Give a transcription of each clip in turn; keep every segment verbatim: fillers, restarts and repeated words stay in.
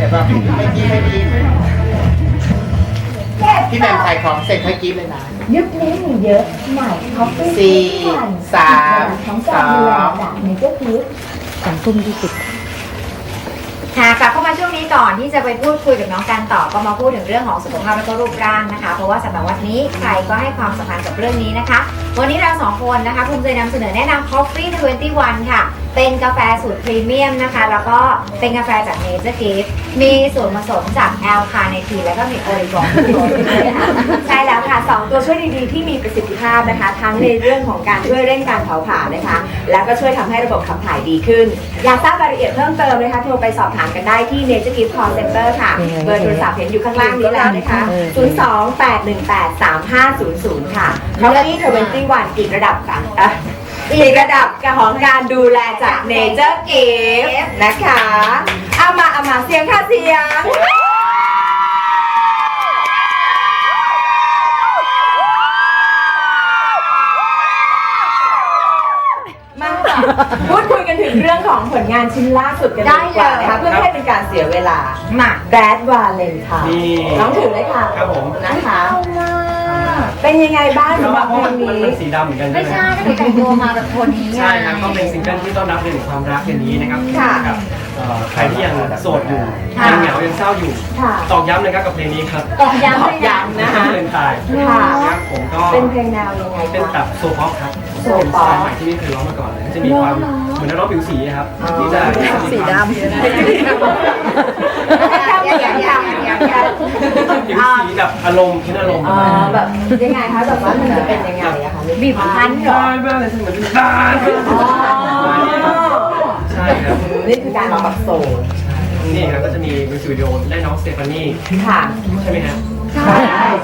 แต่ว่าไม่กี้ไม่กี้พี่แมนขายของเสร็จเมื่อกี้เลยนะยุคนี้มีเยอะใหม่คอฟฟี่สี่สามของสการอดูแลงจากเนเจอร์ฟู้ดสองทุ่มยี่สิบค่ะกลับเข้ามาช่วงนี้ก่อนที่จะไปพูดคุยกับน้องการต่อก็มาพูดถึงเรื่องของสุขภาพและก็รูปร่างนะคะเพราะว่าสำหรับวันนี้ใครก็ให้ความสำคัญกับเรื่องนี้นะคะวันนี้เราสองคนนะคะภูมิใจนำเสนอแนะนำ Coffee ยี่สิบเอ็ด ค่ะเป็นกาแฟสูตรพรีเมียมนะคะแล้วก็เป็นกาแฟจาก Nature Gift มีส่วนผสมจากแอลคาเนทีนแล้วก็มีโอลิกอลใช่แล้วค่ะสองตัวช่วยดีๆที่มีประสิทธิภาพนะคะทั้งในเรื่องของการช่วยเร่งการเผาผลาญนะคะแล้วก็ช่วยทำให้ระบบขับถ่ายดีขึ้นอยากทราบรายละเอียดเพิ่มเติมนะคะโทรไปสอบถามกันได้ที่ Nature Gift Call Center ค่ะเบอร์โทรศัพท์เห็นอยู่ข้างล่างนี้แล้วนะคะศูนย์ สอง แปด หนึ่ง แปด สาม ห้า ศูนย์ ศูนย์ค่ะ Coffee ยี่สิบเอ็ด อีกระดับกันอ่ะอีกระดับของการดูแลจาก Nature Gift นะคะเอามาเอามาเสียงค่ะเสียงมาพูดคุยกันถึงเรื่องของผลงานชิ้นล่าสุดกันดีกว่านะคะเพื่อไม่ให้เป็นการเสียเวลามา Bad Valentine น้องถือเลยค่ะครับผมนะคะเป็นยังไงบ้างสำหรับเพลงนี้มันเป็นสีดำเหมือนกันไม่ใช่ถ้าเกิดแต่งตัวมาแบบคนนี้ใช่ครับก็เป็นซิงเกิลที่ต้อนรับเรื่องของความรักอย่างนี้นะครับกับใครที่ยังโสดอยู่ยังเหงายังเศร้าอยู่ตอกย้ำนะครับกับเพลงนี้ครับตอกย้ำตอกย้ำนะคะเพลงตายครับผมก็เป็นเพลงแนวยังไงเป็นแบบโซฟ็อกครับเป็นสไตล์ใหม่ที่ไม่เคยร้องมาก่อนเลยจะมีความเหมือนนักร้องผิวสีครับที่จะสีดำผิวสีแบบอารมณ์คิดอารมณ์แบบยังไงคะแบบว่ามันจะเป็นยังไงอะคะบีบคั้นเหรอบ้าเลยเหมือนบ้าใช่ครับนี่คือการร้องแบบโซลนี่ครับก็จะมีมิวสิกวิดีโอได้น้องสเตฟานี่ค่ะใช่ไหมฮะใช่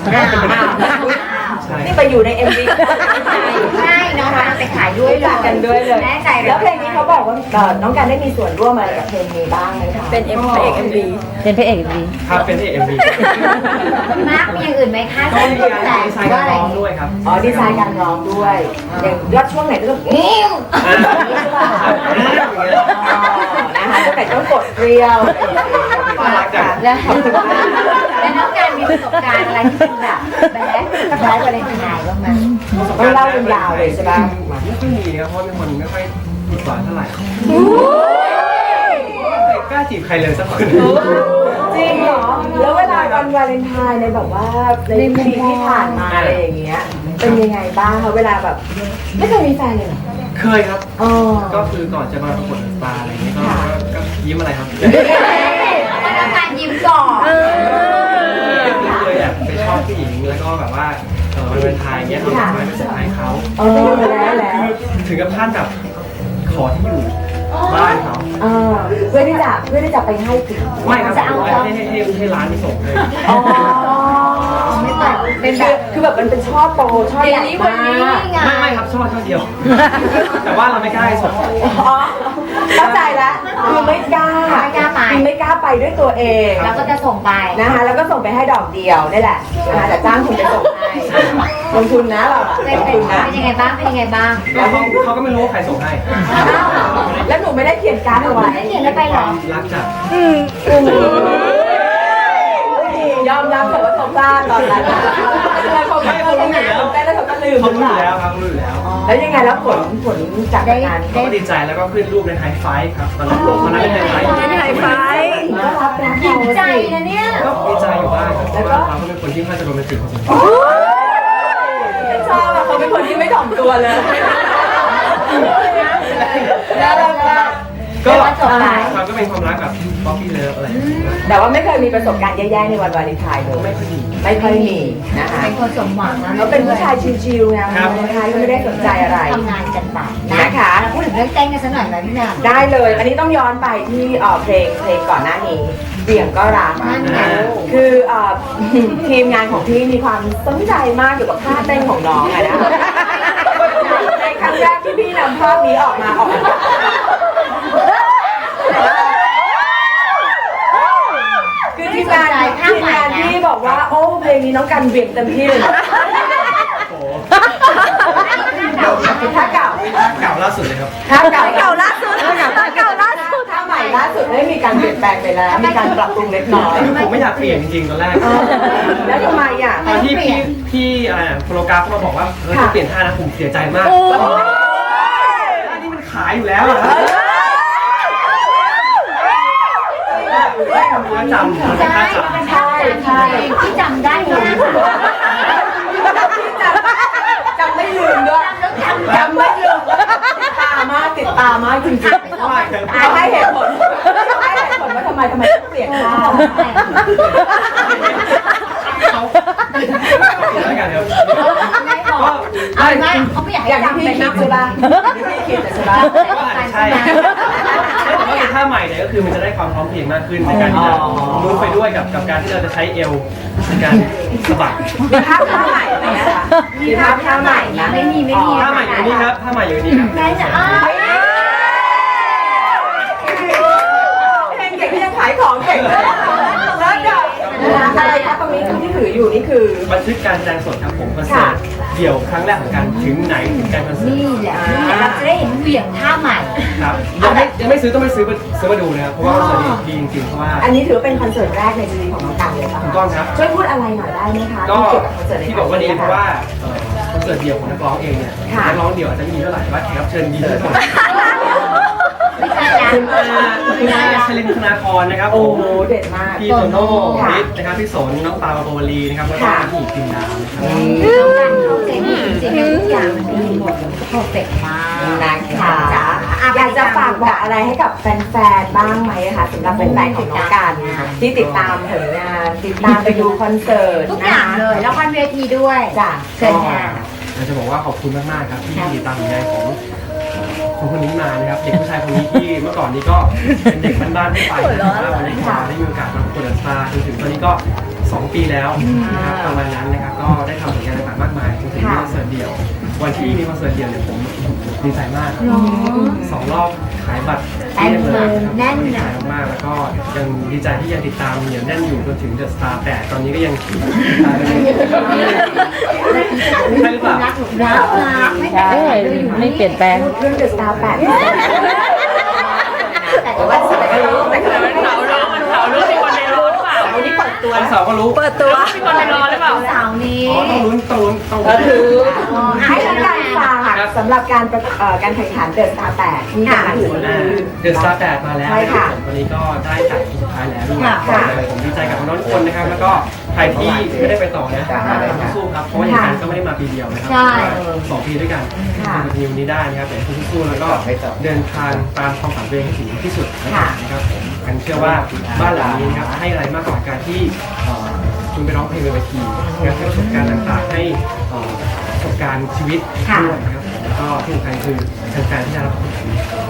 นี่ไปอยู่ใน เอ็ม วีใช่น้องการไปขายด้วยกันด้วยเลยแน่ใจแล้วเพลงนี้เขาบอกว่าน้องการได้มีส่วนร่วมอะไรกับเพลงนี้บ้างไหมคะเป็นเอ็มพระเอกเอ็มวีเป็นพระเอกเอ็มวีครับเป็นพระเอกเอ็มวีมาร์คมีอย่างอื่นไหมคะก็มีการดีไซน์การร้องด้วยครับอ๋อดีไซน์การร้องด้วยอย่างยอดช่วงไหนก็ต้องนิ้วนะคะช่วงไหนต้องกดเรียวแล้วแล้วน้องการมีประสบการณ์อะไรที่เป็นแบบแบ๊ดแบ๊ดอะไรเป็นไงบ้างไหมต้องเล่าเป็นยาวเลยใช่ไหมไม่ค่อยมีครับเพราะเป็นคนไม่ค่อยติดหวานเท่าไหร่กล้าจีบใครเลยสักคนจริงเหรอแล้วเวลาวันวาเลนไทน์ในแบบว่าในปีที่ผ่านมาอะไรอย่างเงี้ยเป็นยังไงบ้างคะเวลาแบบไม่เคยมีแฟนเลยเหรอเคยครับก็คือก่อนจะมาประกวดสตาร์อะไรเงี้ยก็ยิ้มอะไรครับแล้วน้องการยิ้มก่อนเคยแบบไปชอบผู้หญิงแล้วก็แบบว่าเออวันวาเลนไทน์เงี้ยเอาดอกไม้ไปเซอร์ไพรส์เขาถึงกับท่านแบบขอที่อยู่บ้านเขาเพื่อที่จะเพื่อที่จะไปให้ถึงไม่ครับจะเอาให้ให้ให้ร้านที่ส่งเลยอ๋อไม่ต่างเป็นแบบคือแบบมันเป็นช่อโตช่อใหญ่มากไม่ไม่ครับช่อช่อเดียวแต่ว่าเราไม่กล้าส่งอ๋อเข้าใจแล้วคือไม่กล้าไม่กล้าไปไม่กล้าไปด้วยตัวเองแล้วก็จะส่งไปนะคะแล้วก็ส่งไปให้ดอกเดียวนี่แหละนะคะแต่จ้างคุณไปส่งให้ลงทุนนะเราเป็นเป็นยังไงบ้างเป็นยังไงบ้างแล้วเขาก็ไม่รู้ว่าใครส่งให้แล้วหนูไม่ได้เขียนการ์ดเอาไว้ไม่เขียนแล้วไปหรอรักจัดยอมรับเถอะว่าเขาพลาดตอนนั้นแล้วเขาไม่รู้ไงเขาได้แล้วเขาก็ลืมเขารู้อยู่แล้วครับรู้อยู่แล้วแล้วยังไงแล้วผลผลจากงานก็ดีใจแล้วก็ขึ้นรูปในไฮไฟครับตอนนั้นตอนนั้นเป็นไฮไฟเป็นไฮไฟก็รับนะดีใจนะเนี่ยก็ดีใจอยู่บ้างแล้วก็เขาเป็นคนที่ค่อนข้างจะโรแมนติกพอสมควรชอบอะเขาเป็นคนที่ไม่ถ่อมตัวเลยแล้วก็ก็มันก็เป็นความรักแบบป๊อปปี้เลิฟอะไรแต่ว่าไม่เคยมีประสบการณ์แย่ๆในวันวาเลนไทน์เลยไม่ค่อยมีไม่ค่อยมีนะคะเป็นคนสมหวังนะเขาเป็นผู้ชายชิวๆนะวาเลนไทน์ก็ไม่ได้สนใจอะไรทำงานกันไปนะคะพูดถึงเรื่องเต้นกันสักหน่อยไหมพี่นางได้เลยอันนี้ต้องย้อนไปที่เพลงเพลงก่อนหน้านี้เบี่ยงก็รักคือทีมงานของพี่มีความสนใจมากเกี่ยวกับท่าเต้นของน้องอะนะในครั้งแรกที่พี่นำภาพนี้ออกมาออกมาคือทีมงานทีมงานที่บอกว่าโอ้เพลงนี้น้องกันเบี่ยงเต็มที่เลยท่าเก่าเก่าล่าสุดเลยครับท่าเก่าเก่าล่าสุดท่าเก่าล่าสุดท่าใหม่ล่าสุดได้มีการเปลี่ยนแปลงไปแล้ว มีการปรับปรุงเล็กน้อยผมไม่อยากเปลี่ยนจริงๆตอนแรกเออแล้วทำไมอ่ะตอนที่พี่พี่อะไรอะโปรกราฟเขามาบอกว่าเออจะเปลี่ยนท่านะผมเสียใจมากท่านี้มันขายอยู่แล้วอะท่าจำมันเป็นท่าจำใช่ใช่ที่จำได้เลยจำไม่ลืมด้วยจำไม่ลืมติดตามากติดตามากจริงๆอ่ะให้เหตุผลให้เหตุผลว่าทำไมทำไมต้องเปลี่ยนท่าแล้วกันครับไม่พอก็เอาไม่เขาไม่อยากให้อย่างที่จำพี่เป็นคิดมากใช่ป่ะอย่างที่พี่คิดใช่ป่ะก็อาจจะใช่แต่ว่าในท่าใหม่เนี่ยก็คือมันจะได้ความพร้อมเพรียงมากขึ้นในการที่จะมูฟไปด้วยกับกับการที่เราจะใช้เอวในการสะบัดมีภาพท่าใหม่ไหมนะคะมีภาพท่าใหม่นะไม่มีไม่มีท่าใหม่อยู่นี่ครับท่าใหม่อยู่นี่ครับแม่จะอ้าเพลงเก่งที่ยังขายของเก่งเลยแล้วเดี๋ยวอะไรคะตรงนี้ที่ถืออยู่นี่คือบันทึกการแสดงสดครับผมคอนเสิร์ตเดี่ยวครั้งแรกของการถึงไหนถึงการคอนเสิร์ตนี่แหละนี่แหละเราจะได้เห็นเหวี่ยงท่าใหม่ครับยังไม่ยังไม่ซื้อต้องไปซื้อมาซื้อมาดูนะครับเพราะว่าคอนเสิร์ตนี้ดีจริงๆเพราะว่าอันนี้ถือว่าเป็นคอนเสิร์ตแรกในชีวิตของน้องกันเลยป่ะถูกต้องครับช่วยพูดอะไรหน่อยได้ไหมคะก็เกี่ยวกับคอนเสิร์ตในที่บอกว่าดีเพราะว่าเอ่อคอนเสิร์ตเดี่ยวของนักร้องเองเนี่ยนักร้องเดี่ยวอาจจะไม่ดีเท่าไหร่แต่ว่าแขกรับเชิญดีทุกคนไม่ใช่นะคุณอาคุณอาชลินธนาครนะครับโอ้โหเด็ดมากพี่โตโน่ค่ะบิ๊กนะครับพี่สนน้องปาปาโบวลีนะครับแล้วก็ค่ะพี่หญิงพิมดาวนะครับน้องกันเข้าใจดีจริงๆทุกอย่างมันดีหมดเพอร์เฟกต์มากนะคะจ้ะอยากจะฝากบอกอะไรให้กับแฟนๆบ้างไหมคะสำหรับแฟนๆของน้องกันที่ติดตามผลงานติดตามไปดูคอนเสิร์ตทุกอย่างเลยแล้วคอนเวทีด้วยจ้ะเชิญค่ะอยากจะบอกว่าขอบคุณมากๆครับที่ติดตามผลงานของของคนนี้มานะครับเด็กผู้ชายคนนี้ที่เมื่อก่อนนี้ก็เป็นเด็กบ้านๆทั่วไปนะครับวันนี้ก็ได้มีโอกาสมาประกวดสตาร์จนถึงตอนนี้ก็สองปีแล้วนะครับประมาณนั้นนะครับก็ได้ทำผลงานต่างๆมากมายจนถึงมีคอนเสิร์ตเดี่ยววันที่มีคอนเสิร์ตเดี่ยวเนี่ยผมดีใจมากครับสองรอบขายบัตรแน่นเลยแน่นดีนะใจมากๆแล้วก็ยังดีใจที่ยังติดตามเหนียวแน่นอยู่จนถึงเดอะสตาร์แปดตอนนี้ก็ยังใช่หรือเปล่ารักรักรักไม่แต่ใช่ไม่เปลี่ยนแปลงเรื่องเดอะสตาร์แปดแต่ว่าสวยก็รู้แต่คือมันเขารู้มันเขารู้ที่คนในรู้หรือเปล่าวันนี้เปิดตัววันเสาร์ก็รู้เปิดตัวมีคนในรอหรือเปล่าสาวนี้อ๋อต้องลุ้นต้องลุ้นต้องก็ลุ้นคือให้ทั้งการฝากสำหรับการประเอ่อการแข่งขันเดอะสตาร์แปดที่จะถึงเดอะสตาร์แปดมาแล้วใช่ค่ะผมวันนี้ก็ได้จัดทีสุดท้ายแล้วด้วยค่ะผมดีใจกับน้องๆทุกคนนะครับ แล้วก็ใครที่ไม่ได้ไปต่อนะสู้ๆครับ เพราะว่าอย่างนั้นก็ไม่ได้มาปีเดียวนะครัใช่สองปีด้วยกันค่ะมาทีมนี้ได้นะครับแต่คุณสู้ๆแล้วก็เดินทางตามความฝันตัวเองให้ถึงที่สุดนะครับผมกันเชื่อว่าบ้านหลังนี้นะครับให้อะไรมากกว่าการที่เอ่อคุณไปร้องเพลงบนเวทีการให้ประสบการณ์ต่างๆให้เอ่อประสบการณ์ชีวิตด้วยนะครับผมแล้วก็ที่สำคัญคือแฟนๆที่ได้รับความสุข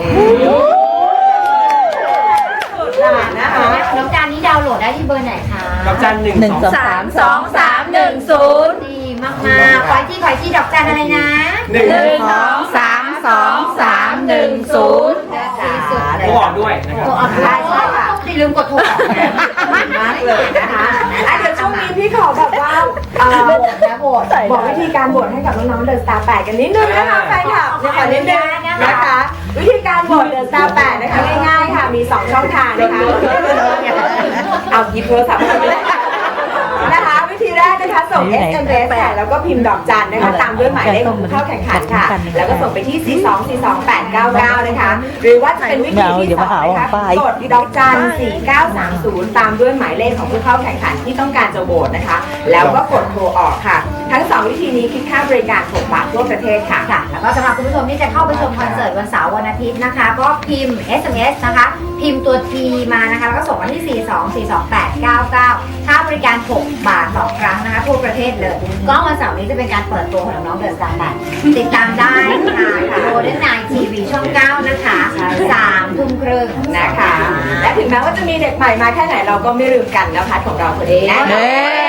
นะคะน้องการนี้ดาวน์โหลดได้ที่เบอร์ไหนคะกับจันหนึ่งหนึ่งสองสองสามสองสามหนึ่งศูนย์ดีมากๆขอที่ขอที่ดอกจันอะไรนะหนึ่งหนึ่งสองสามสองสามหนึ่งศูนย์โทรออกด้วยนะครับโทรออกได้ใช่ค่ะอย่าลืมกดโทรออกนะมากเลยนะคะอ่ะเดี๋ยวช่วงนี้พี่ขอแบบว่าเอ่อโบดนะโบดบอกวิธีการโหวตให้กับน้องๆเดอะสตาร์แปดกันนิดนึงนะคะแฟนคลับเนี่ยขอนิดนึงนะคะ วิธีการโหวตเดอะสตาร์แปดนะคะง่ายๆค่ะมีสองช่องทางนะคะเอาหยิบโทรศัพท์มาเลยนะคะวิธีแรกนะคะส่ง เอส เอ็ม เอส ค่ะแล้วก็พิมพ์ดอกจันนะคะตามด้วยหมายเลขของผู้เข้าแข่งขันค่ะ แล้วก็ส่งไปที่ สี่ สอง สี่ สอง แปด เก้า เก้า นะคะ หรือว่าจะเป็นวิธีที่สองนะคะกดดอกจัน สี่ เก้า สาม ศูนย์ ตามด้วยหมายเลขของผู้เข้าแข่งขันที่ต้องการจะโหวตนะคะ แล้วก็กดโทรออกค่ะ ทั้งสองวิธีนี้คิดค่าบริการหกบาททั่วประเทศค่ะค่ะ แล้วก็สำหรับคุณผู้ชมที่จะเข้าไปชมคอนเสิร์ตวันเสาร์วันอาทิตย์นะคะ ก็พิมพ์ เอส เอ็ม เอส นะคะ พิมพ์ตัว T มานะคะ แล้วก็ส่งมาที่ สี่ สอง สี่ สอง แปด เก้า เก้า ค่าบริการหกบาทต่อครั้งนะคะทั่วประเทศเลย ก็วันเสาร์นี้จะเป็นการเปิดตัวของน้องเดอะสตาร์แปดติดตามได้ค่ะโรเดนไนทีวีช่องเก้านะคะสามทุ่มครึ่งนะคะ และถึงแม้ว่าจะมีเด็กใหม่มาแค่ไหนเราก็ไม่ลืมกันนะพัดของเราคนนี้นะเย้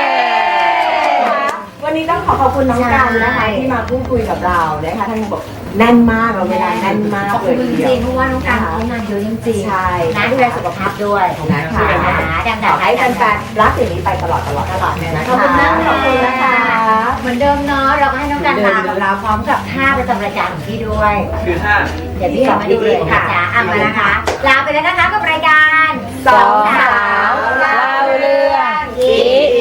วันนี้ต้องขอขอบคุณน้องกันนะคะที่มาพูดคุยกับเรานะคะท่านบอกแน่นมากเราเวลาแน่นมากขอบเลคุณยจทีเดียริวงๆเพราะว่าน้องการเขางานเยอะจริงๆใช่นะดูแลสุขภาพด้วยนะคะดังขอให้แฟนๆรักอย่างนี้ไปตลอดตลอดตลอดเลยนะคะขอบคุณมากขอบคุณนะคะเหมือนเดิมเนาะเราก็ให้น้องการมากับเราพร้อมกับท่าประจำรายการของพี่ด้วยคือถ้าเดี๋ยวพี่เห็นมาดูเลยค่ะจ๋าอ่ะมานะคะลาไปแล้วนะคะกับรายการสองสาวเล่าเรื่องอีอี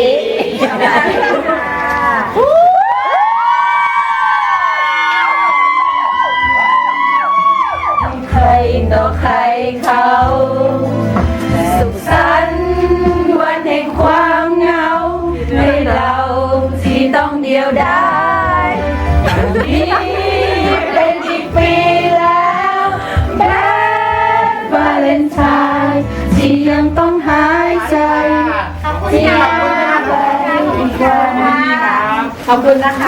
ใครต่อใครเขาสุขสันต์วันแห่งความเหงาให้เราที่ต้องเดียวดายนี้เป็นอีกปีแล้วแบดวาเลนไทน์ที่ยังต้องหายใจขอบคุณที่ค่ะยังขอบคุณค่ะขอบคุณนะคะ